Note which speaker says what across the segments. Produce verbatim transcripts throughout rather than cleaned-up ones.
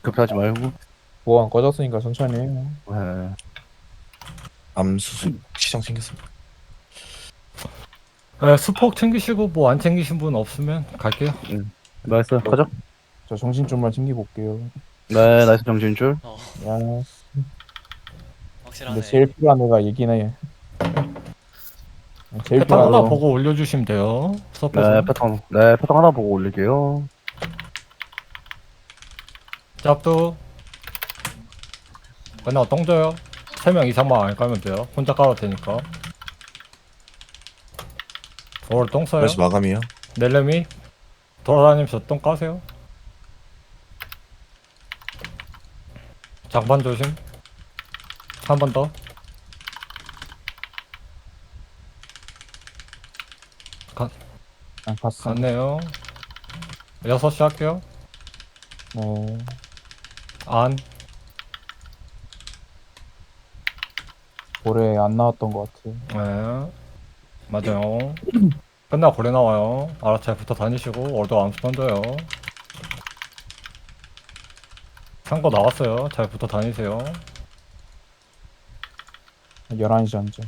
Speaker 1: 급하지 말고.
Speaker 2: 보안 꺼졌으니까 천천히 해요.
Speaker 1: 네.
Speaker 3: 암수 시장 챙겼습니다.
Speaker 4: 네, 수폭 챙기시고 뭐 안 챙기신 분 없으면 갈게요.
Speaker 1: 음. 나이스. 가자.
Speaker 2: 저 정신 좀만 챙기고 올게요.
Speaker 1: 네, 나이스 정신줄.
Speaker 5: 어
Speaker 2: 야,
Speaker 5: 확실하네.
Speaker 2: 근데 제일 필요한 애가 얘긴 해. 제일
Speaker 4: 패턴
Speaker 2: 필요한
Speaker 4: 하나
Speaker 2: 애.
Speaker 4: 보고 올려주시면 돼요.
Speaker 1: 네,
Speaker 4: 서폿은.
Speaker 1: 패턴. 네, 패턴 하나 보고 올릴게요.
Speaker 4: 짭도. 맨날 똥져요. 세 명 이상만 안 까면 돼요. 혼자 까도 되니까. 오늘 똥 써요.
Speaker 3: 그래서 마감이요.
Speaker 4: 넬렘이 돌아다니면서 똥 까세요. 장반 조심. 한 번 더.
Speaker 2: 아, 갔어.
Speaker 4: 갔네요. 여섯 시 할게요.
Speaker 2: 네.
Speaker 4: 안.
Speaker 2: 올해 안 나왔던 것 같아.
Speaker 4: 네. 맞아요. 끝나고 고래 나와요. 알아 잘 붙어 다니시고 얼도 암수 던져요. 상거 나왔어요. 잘 붙어 다니세요.
Speaker 2: 열한 시 전쯤.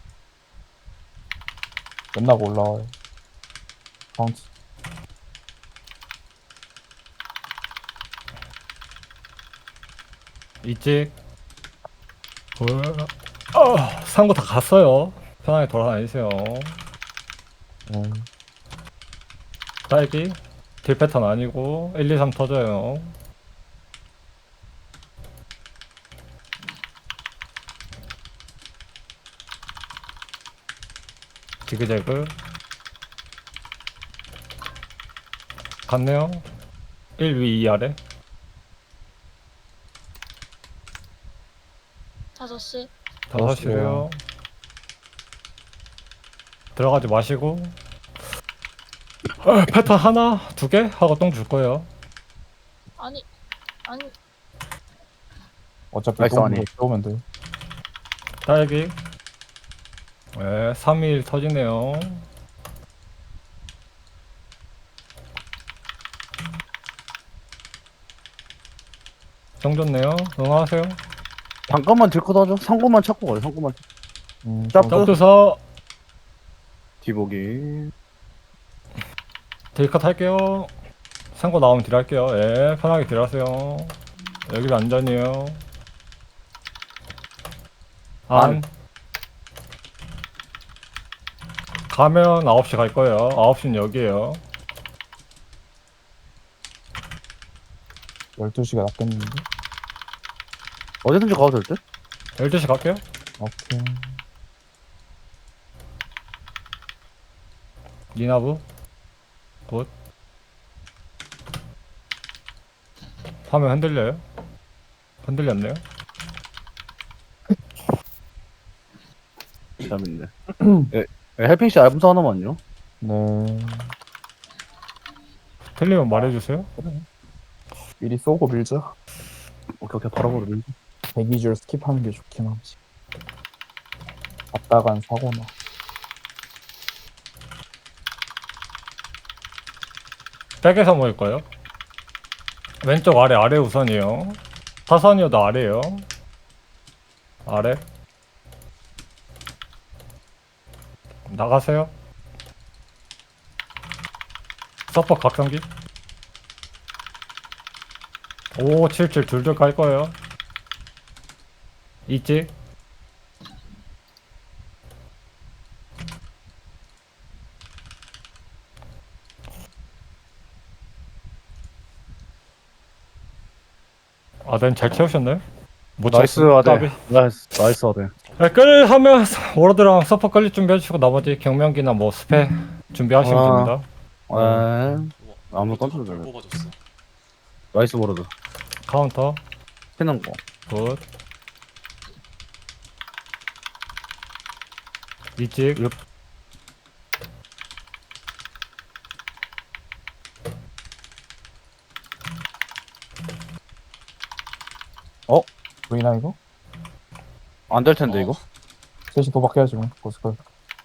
Speaker 2: 끝나고 올라와요. 카운트.
Speaker 4: 이찍. 어, 상거 다 갔어요. 편하게 돌아다니세요.
Speaker 2: 네.
Speaker 4: 딸기. 딜 패턴 아니고 일, 이, 삼 터져요. 지그재그. 갔네요. 일 위 이 아래.
Speaker 6: 다섯 시.
Speaker 4: 다섯 시래요. 들어가지 마시고. 어, 패턴 하나, 두 개 하고 똥 줄 거예요.
Speaker 6: 아니, 아니,
Speaker 2: 어차피
Speaker 1: 나이스,
Speaker 2: 똥
Speaker 1: 아니.
Speaker 2: 들어오면 돼.
Speaker 4: 딸기. 네, 삼 일 터지네요. 정 좋네요. 응하세요.
Speaker 1: 잠깐만 들고 하죠. 상고만 찾고 가요. 상고만.
Speaker 2: 음,
Speaker 1: 짭.
Speaker 2: 좀-
Speaker 4: 점프서
Speaker 1: 뒤보기.
Speaker 4: 딜컷 할게요. 상고 나오면 딜 할게요. 예, 편하게 딜 하세요. 여기도 안전이에요. 안.
Speaker 1: 안.
Speaker 4: 가면 아홉 시 갈 거예요. 아홉 시는 여기에요.
Speaker 2: 열두 시가 낫겠는데?
Speaker 1: 어디든지 가도 될 듯?
Speaker 4: 열두 시 갈게요.
Speaker 2: 오케이.
Speaker 4: 니나부. 굿. 화면 흔들려요? 흔들렸네요.
Speaker 1: 재밌네. 예, 예, 헬핑 씨 알분사 하나만요.
Speaker 2: 네.
Speaker 4: 틀리면 말해주세요.
Speaker 2: 미리 쏘고 밀자.
Speaker 1: 오케이, 오케이. 바로 바로 밀.
Speaker 2: 대기 줄 스킵하는 게 좋긴 하지. 갔다간 사고나.
Speaker 4: 백에서 모일 거예요. 왼쪽 아래 아래 우선이요. 사선이어도 아래요. 아래. 나가세요. 서퍼 각성기. 오, 칠칠 둘둘 갈 거예요. 있지? 아덴 잘 채우셨나요? 못
Speaker 1: 나이스
Speaker 4: 채웠어요.
Speaker 1: 아대.
Speaker 4: 까비.
Speaker 1: 나이스 나이스 아대.
Speaker 4: 네, 끌 하면 워러드랑 서퍼 끌릴 준비해 주시고 나머지 경명기나 뭐 스페 준비하시면
Speaker 1: 아.
Speaker 4: 됩니다.
Speaker 1: 네.
Speaker 5: 우와,
Speaker 1: 아무
Speaker 5: 이것도
Speaker 1: 깜짝
Speaker 5: 별
Speaker 1: 놀랐네.
Speaker 5: 뽑아줬어.
Speaker 1: 나이스 보러드.
Speaker 4: 카운터.
Speaker 1: 피는 거.
Speaker 4: 굿. 이찍.
Speaker 1: 육.
Speaker 2: 보이나 이거?
Speaker 1: 안 될 텐데
Speaker 5: 어.
Speaker 1: 이거.
Speaker 2: 셋이 도박해야지 뭐. 고스컬.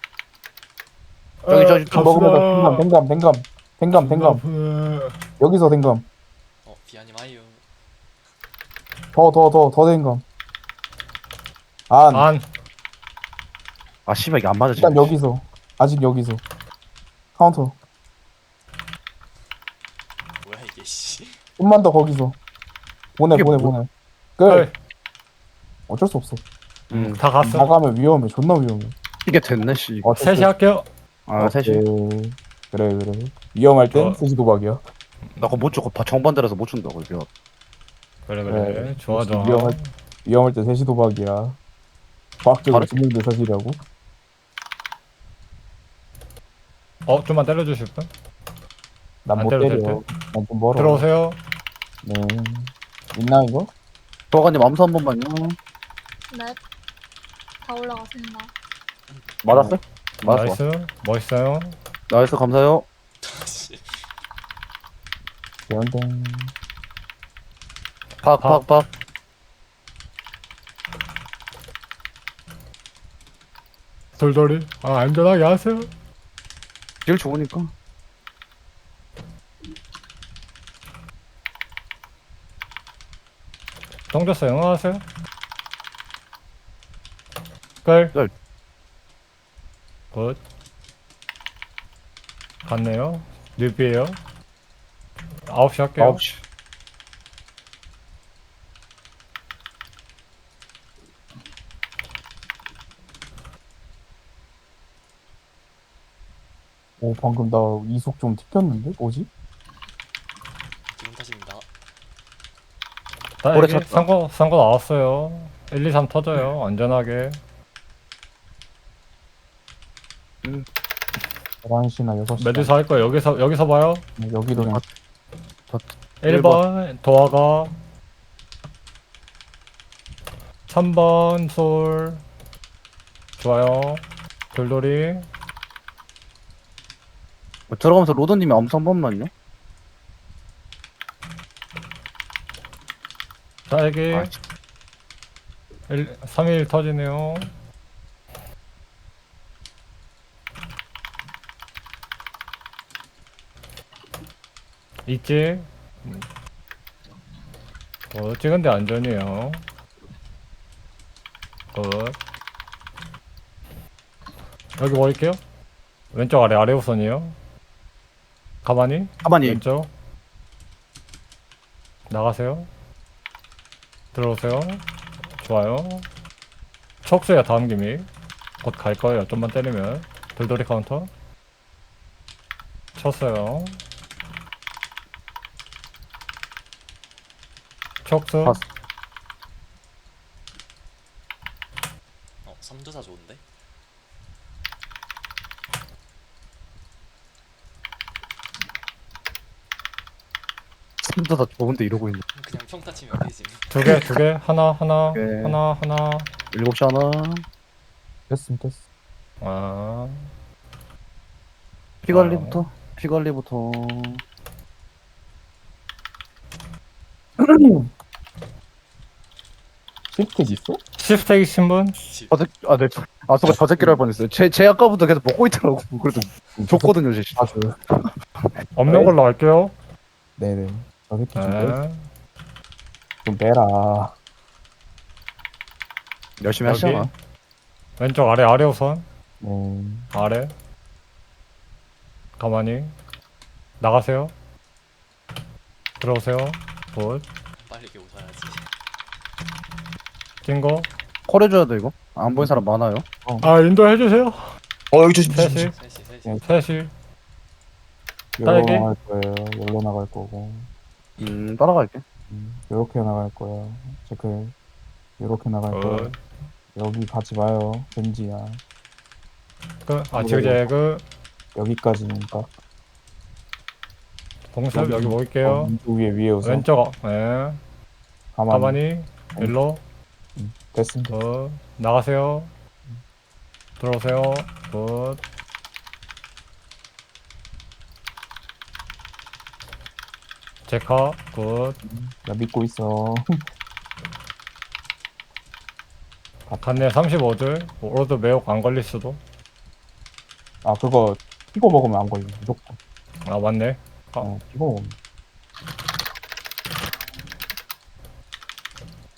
Speaker 1: 저기 저기
Speaker 4: 갑시다.
Speaker 2: 먹으면 댕감, 댕감, 댕감, 댕감, 댕감. 여기서 댕감.
Speaker 5: 어 비아님 아이유.
Speaker 2: 더, 더, 더, 더 된감. 안.
Speaker 4: 안.
Speaker 1: 아 씨발 이게 안 맞아
Speaker 2: 일단
Speaker 1: 지금.
Speaker 2: 여기서. 아직 여기서. 카운터.
Speaker 5: 뭐야 이게 씨.
Speaker 2: 좀만 더 거기서. 보내,
Speaker 1: 이게
Speaker 2: 보내,
Speaker 1: 뭐-
Speaker 2: 보내. 끝.
Speaker 4: 헐.
Speaker 2: 어쩔 수 없어.
Speaker 1: 음
Speaker 4: 다 갔어.
Speaker 2: 나가면 위험해. 존나 위험해.
Speaker 1: 이게 됐네 씨.
Speaker 2: 어쩔 수
Speaker 4: 셋이 할게요.
Speaker 1: 아 셋이.
Speaker 2: 오케이. 그래, 그래. 위험할 땐
Speaker 1: 어.
Speaker 2: 셋이 도박이야.
Speaker 1: 나 그거 못 줘. 그거 정반대라서 못 준다고 이거.
Speaker 4: 그래 그래.
Speaker 2: 그래.
Speaker 4: 좋아 좋아.
Speaker 2: 위험할, 위험할 때 셋이 도박이야. 과학적으로
Speaker 1: 바로-
Speaker 2: 증명된 사실이라고.
Speaker 4: 어 좀만 때려주실 분?
Speaker 2: 난
Speaker 4: 안
Speaker 2: 못
Speaker 4: 때려도
Speaker 2: 때려.
Speaker 4: 될 듯?
Speaker 2: 난 좀 멀어.
Speaker 4: 들어오세요.
Speaker 2: 네. 있나 이거?
Speaker 1: 도화관님 암수 한 번만요.
Speaker 6: 네. 다 올라갔습니다.
Speaker 1: 맞았어요? 맞았어.
Speaker 4: 나이스. 멋있어요.
Speaker 1: 나이스 감사해요.
Speaker 5: 씨.
Speaker 2: 대원댕.
Speaker 1: 팍 팍 팍.
Speaker 4: 돌돌이. 아 안전하게 하세요.
Speaker 1: 제일 좋으니까.
Speaker 4: 던졌어 영어하세요. 끌.
Speaker 1: 끌.
Speaker 4: 굿. 갔네요. 뉴비에요. 아홉 시 할게요.
Speaker 1: 아홉 시.
Speaker 2: 오, 방금 나 이속 좀 튀겼는데? 뭐지?
Speaker 5: 기분 탓입니다.
Speaker 4: 나
Speaker 1: 오래
Speaker 4: 여기
Speaker 1: 쳤다.
Speaker 4: 선거 선거 나왔어요. 일, 이, 삼 터져요. 안전하게.
Speaker 2: 열한 시나 여섯 시.
Speaker 4: 메두사 할 거예요. 여기서 여기서 봐요.
Speaker 2: 여기도 그냥
Speaker 4: 일 번 도화가 삼 번 솔 좋아요. 돌돌이
Speaker 1: 뭐 들어가면서 로드님이 암수 한 번만요.
Speaker 4: 딸기
Speaker 1: 아,
Speaker 4: 삼 일 터지네요. 있지? 어, 찍은데 안전이에요. 굿. 여기 버릴게요. 왼쪽 아래 아래 우선이요. 가만히
Speaker 1: 가만히.
Speaker 4: 왼쪽 나가세요. 들어오세요. 좋아요. 척수야 다음 기믹 곧 갈 거예요. 좀만 때리면 돌돌이 카운터 쳤어요. 척수
Speaker 1: 봤어.
Speaker 5: 어 삼두사 좋은데?
Speaker 1: 진짜 다 좋은데 이러고 있네.
Speaker 5: 그냥 평타 치면 되지.
Speaker 4: 두 개 두 개 하나 하나
Speaker 1: 오케이.
Speaker 4: 하나 하나
Speaker 1: 일곱 시 하나.
Speaker 2: 됐음, 됐어.
Speaker 4: 아
Speaker 1: 피관리부터. 피관리부터.
Speaker 2: 시프트 있어?
Speaker 4: 시프텍 신분
Speaker 5: 집.
Speaker 1: 저 새끼, 아, 네. 저- 아, 순간 저 새끼를 할 뻔했어요. 제, 제 아까부터 계속 먹고 있더라고. 그래도 줬거든요, 제.
Speaker 2: 아, 그.
Speaker 4: 없는 걸로 할게요.
Speaker 2: 네네. 저 새끼 좀, 빼,
Speaker 4: 네.
Speaker 2: 좀 빼라.
Speaker 1: 열심히
Speaker 4: 여기
Speaker 1: 하시잖아.
Speaker 4: 왼쪽 아래 아래 우선
Speaker 2: 네.
Speaker 4: 아래 가만히 나가세요. 들어오세요. 굿.
Speaker 5: 빨리게 웃어야지.
Speaker 4: 찐거
Speaker 1: 콜 해줘야 돼, 이거. 안 보이는 사람 많아요.
Speaker 4: 아 인도 해주세요.
Speaker 3: 어 여기 조심 조심.
Speaker 4: 셋이
Speaker 3: 조심.
Speaker 5: 셋이 셋이.
Speaker 4: 셋이
Speaker 2: 열로
Speaker 4: 딸기?
Speaker 2: 나갈 거예요. 열로 나갈 거고.
Speaker 1: 음, 따라갈게.
Speaker 2: 음, 요렇게 나갈 거야. 체크. 요렇게 나갈 거야.
Speaker 4: 굿.
Speaker 2: 여기 가지 마요. 벤지야.
Speaker 4: 그 아치그제그
Speaker 2: 여기까지니까.
Speaker 4: 봉습 여기
Speaker 2: 어,
Speaker 4: 모일게요.
Speaker 2: 왼쪽 위에 위에 우선.
Speaker 4: 왼쪽 예
Speaker 2: 가만히.
Speaker 4: 가만히 일로
Speaker 2: 됐음.
Speaker 4: 굿 나가세요. 들어오세요. 굿 제카 굿
Speaker 2: 나 믿고 있어.
Speaker 4: 갔네 삼십오 줄 오로드 매혹 안 걸릴 수도.
Speaker 2: 아, 그거 피고 먹으면 안 걸려. 무조건.
Speaker 4: 아 맞네. 아.
Speaker 2: 어, 피고 먹으면.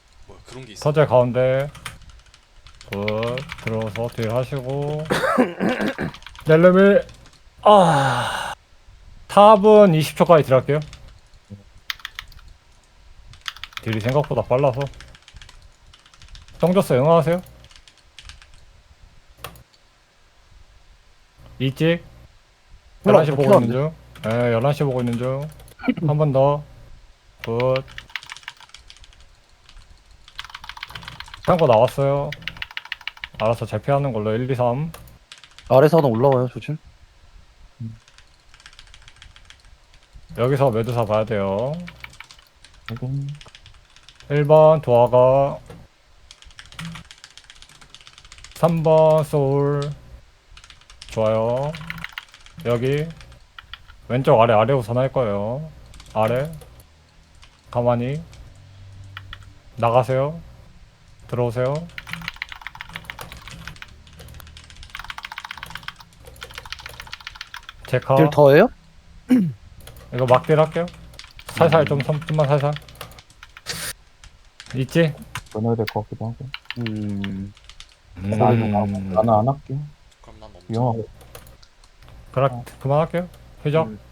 Speaker 5: 그런 게 있어.
Speaker 4: 서재 가운데 굿 들어서 딜 하시고 넬름이 아 탑은 이십 초까지 딜할게요. 딜이 생각보다 빨라서 정졌어 응하세요. 이찍 열한 시 보고 있는 중. 예, 열한 시 보고 있는 중. 한 번 더. 굿. 창고 나왔어요. 알아서 잘 피하는 걸로 일, 이, 삼.
Speaker 1: 아래서 하나 올라와요 조심.
Speaker 4: 여기서 매두사 봐야 돼요.
Speaker 2: 확인.
Speaker 4: 일 번 도화가 삼 번 소울 좋아요. 여기 왼쪽 아래 아래 우선 할 거예요. 아래 가만히 나가세요. 들어오세요. 제카
Speaker 1: 딜 더해요?
Speaker 4: 이거 막딜 할게요. 살살 좀 섬- 좀만 살살. 있지?
Speaker 2: 끊어야 될 것 같기도 하고.
Speaker 1: 음.
Speaker 2: 나는 안- 나는 안 할게.
Speaker 5: 그럼 난 멈춰.
Speaker 2: 위험하고.
Speaker 4: 그럼 그만할게요. 회적
Speaker 1: 음.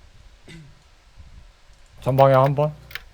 Speaker 4: 전방에 한 번.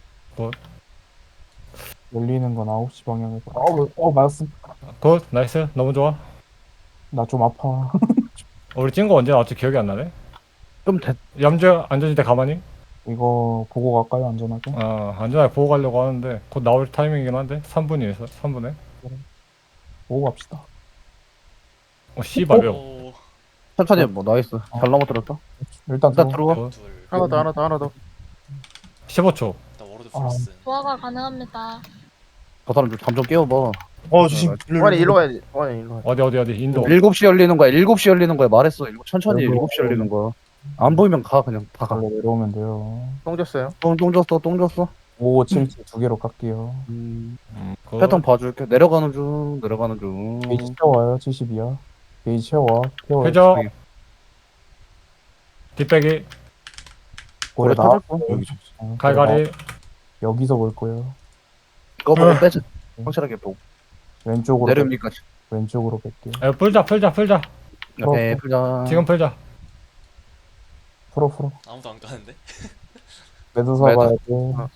Speaker 2: 열리는 건 아홉 시 방향에서. 어, 어, 맞았어.
Speaker 4: 굿 나이스 너무 좋아.
Speaker 2: 나 좀 아파.
Speaker 4: 우리 찐 거 언제 나왔지 기억이 안 나네.
Speaker 1: 좀 됐.
Speaker 4: 염주 안전지대 가만히.
Speaker 2: 이거 보고 갈까요, 안전하게?
Speaker 4: 어 안전하게 보고 가려고 하는데 곧 나올 타이밍이긴 한데 삼 분이에서 삼 분에.
Speaker 2: 보고 갑시다.
Speaker 4: 어 씨발 몇.
Speaker 5: 오,
Speaker 1: 천천히 뭐 나이스. 잘 넘어뜨렸다.
Speaker 2: 일단
Speaker 1: 일단
Speaker 2: 들어.
Speaker 1: 들어와.
Speaker 5: 둘.
Speaker 1: 하나 더 하나 더 하나 더.
Speaker 4: 십오 초.
Speaker 5: 나 워로드
Speaker 2: 아.
Speaker 5: 프로스.
Speaker 6: 조화가 가능합니다.
Speaker 1: 저 사람 좀 잠 좀 깨워봐.
Speaker 3: 어 조심.
Speaker 7: 원이 일로 가야지. 원이 일로 가야지.
Speaker 4: 어디 어디 어디 인도.
Speaker 1: 일곱 시 열리는 거야. 일곱 시 열리는 거야. 말했어. 일곱- 천천히
Speaker 2: 일곱-
Speaker 1: 일곱 시 열리는 거야. 안 보이면 가 그냥 다 가.
Speaker 2: 걸로 내려오면 돼요.
Speaker 7: 똥 줬어요.
Speaker 1: 똥, 똥 줬어. 똥 줬어.
Speaker 2: 오, 칠, 칠 두 개로 깎게요.
Speaker 1: 음.
Speaker 4: 굿.
Speaker 1: 패턴 봐줄게. 내려가는 중. 내려가는 중.
Speaker 2: 게이지 채워요, 칠십이야. 게이지 채워. 채워.
Speaker 4: 회적 뒷배기
Speaker 2: 고래
Speaker 1: 고래
Speaker 2: 나.
Speaker 1: 터질 거.
Speaker 3: 여기 좀.
Speaker 2: 어,
Speaker 4: 갈갈이.
Speaker 2: 여기서 볼 거예요.
Speaker 1: 이거 보고 빼자. 확실하게 보고.
Speaker 2: 왼쪽으로.
Speaker 1: 내려옵니까?
Speaker 2: 왼쪽으로 뺄게요.
Speaker 4: 에, 풀자 풀자 풀자.
Speaker 1: 오케이. 풀자.
Speaker 4: 지금 풀자.
Speaker 2: 풀어, 풀어.
Speaker 5: 아무도 안 가는데?
Speaker 2: 매도사
Speaker 1: 매도.
Speaker 2: 봐야 돼.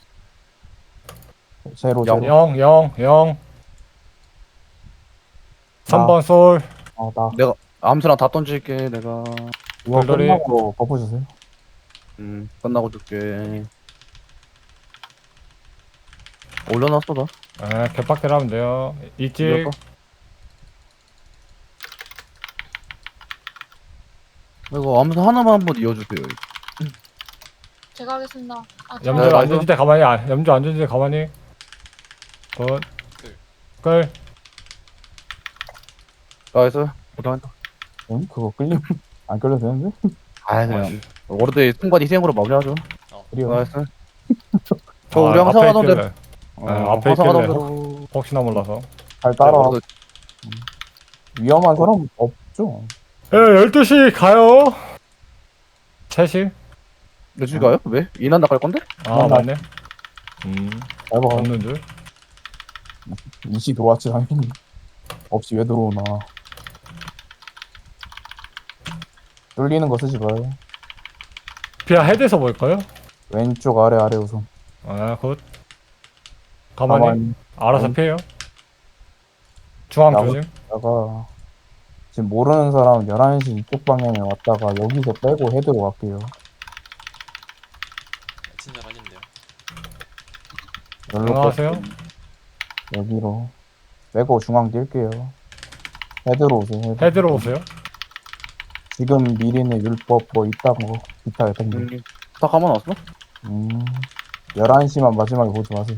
Speaker 2: 제로,
Speaker 1: 영.
Speaker 2: 제로.
Speaker 4: 영 영 영. 삼 번 솔.
Speaker 2: 어, 나.
Speaker 1: 내가 암수랑 다 던질게. 내가.
Speaker 2: 이거
Speaker 4: 돌돌이.
Speaker 2: 끝나고 버프 주세요.
Speaker 1: 음. 끝나고 줄게. 올려놨어 나.
Speaker 4: 에, 개빡대로 하면 돼요. 있지.
Speaker 1: 이거 이거 암수 하나만 한번 이어주세요.
Speaker 6: 제가 하겠습니다. 아,
Speaker 4: 염주
Speaker 1: 네, 맞아.
Speaker 4: 안전지대 가만히. 아, 염주 안전지대 가만히. 굿. 끌.
Speaker 1: 나이스. 고생했다.
Speaker 2: 응? 그거 끌리면 안 끌려도 되는데?
Speaker 1: 아 그냥 워르드의 순간 희생으로 마무리하죠.
Speaker 2: 그래요.
Speaker 1: 나이스. 저
Speaker 4: 아,
Speaker 1: 우리 항상
Speaker 4: 앞에
Speaker 1: 하던 대로.
Speaker 4: 있길래.
Speaker 1: 어,
Speaker 4: 아, 앞에
Speaker 1: 항상 하던
Speaker 4: 있길래.
Speaker 1: 대로.
Speaker 4: 혹시나 몰라서.
Speaker 2: 잘 따라.
Speaker 1: 워르드
Speaker 2: 위험한 사람 없죠?
Speaker 4: 에, 열두 시 가요. 세 시?
Speaker 1: 몇시 가요? 왜? 이난 나갈 건데?
Speaker 4: 아, 맞네. 음,
Speaker 2: 잘 봐.
Speaker 4: 없는 줄.
Speaker 2: 이시 들어왔지, 당연히. 없이 왜 들어오나. 뚫리는 거 쓰지 마요.
Speaker 4: 비아 헤드에서 볼까요?
Speaker 2: 왼쪽 아래 아래 우선.
Speaker 4: 아, 굿. 가만히. 알아서
Speaker 2: 음.
Speaker 4: 피해요. 중앙
Speaker 2: 나무-
Speaker 4: 조심.
Speaker 2: 다가 지금 모르는 사람 열한 시 이쪽 방향에 왔다가 여기서 빼고 헤드로 갈게요.
Speaker 5: 친절하긴데요.
Speaker 2: 열로
Speaker 4: 안녕하세요.
Speaker 2: 빼고 여기로 빼고 중앙 뛸게요. 헤드로 오세요. 헤드.
Speaker 4: 헤드로 오세요.
Speaker 2: 지금 미리는 율법 뭐 있다고 기타 같은 거.
Speaker 1: 음. 다 감아놨어?
Speaker 2: 음. 열한 시만 마지막에 보지 마세요.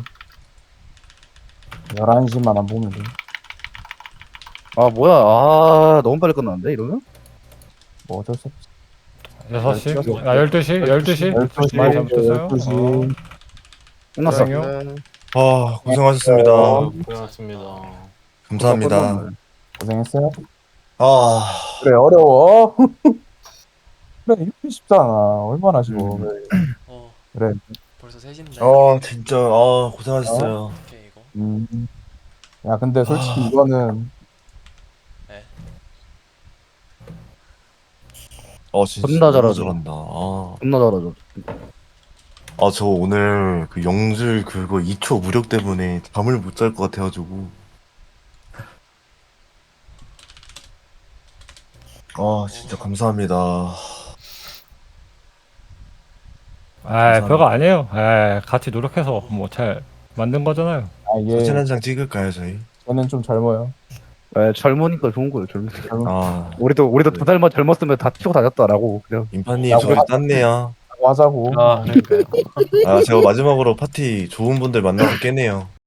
Speaker 2: 열한 시만 안 보면 돼요.
Speaker 1: 아 뭐야? 아 너무 빨리 끝났는데 이러면?
Speaker 2: 뭐 어쩔 수 없지.
Speaker 4: 여섯 시.
Speaker 1: 열두 시.
Speaker 4: 아, 열두 시. 열두 시.
Speaker 2: 열두 시,
Speaker 4: 많이 잘못했어요.
Speaker 2: 열두 시.
Speaker 4: 어.
Speaker 1: 끝났어.
Speaker 4: 고생해요.
Speaker 3: 아 고생하셨습니다.
Speaker 7: 고맙습니다.
Speaker 3: 감사합니다.
Speaker 2: 고생했어요.
Speaker 3: 아
Speaker 2: 그래 어려워. 그래 이렇게 쉽잖아. 얼마나 쉬워.
Speaker 1: 음.
Speaker 2: 그래.
Speaker 5: 어,
Speaker 2: 그래.
Speaker 5: 벌써 셋인데.
Speaker 3: 아 진짜 아 고생하셨어요.
Speaker 5: 오케이 이거.
Speaker 2: 음. 야 근데 솔직히 이거는
Speaker 3: 어 진짜
Speaker 1: 존나
Speaker 3: 너무
Speaker 1: 잘하죠.
Speaker 3: 잘한다. 아,
Speaker 1: 존나 잘하죠.
Speaker 3: 아, 저 오늘 그 영줄 그거 이 초 무력 때문에 잠을 못 잘 것 같아가지고. 아, 진짜 감사합니다.
Speaker 4: 아 별거 아니에요. 아 같이 노력해서 뭐 잘 만든 거잖아요.
Speaker 2: 아얘
Speaker 3: 사진 한 장 찍을까요, 저희?
Speaker 2: 쟤는 좀 젊어요.
Speaker 1: 예, 젊으니까 좋은 거예요. 젊으니까.
Speaker 2: 젊
Speaker 3: 아,
Speaker 1: 우리도 우리도 두 달만 젊었으면 다 치고 다녔다라고 그냥.
Speaker 3: 인파님
Speaker 2: 야,
Speaker 3: 저희
Speaker 2: 뭐-
Speaker 3: 땄네요.
Speaker 2: 하자고.
Speaker 7: 아, 그러니까요.
Speaker 3: 아, 제가 마지막으로 파티 좋은 분들 만나서 깨네요.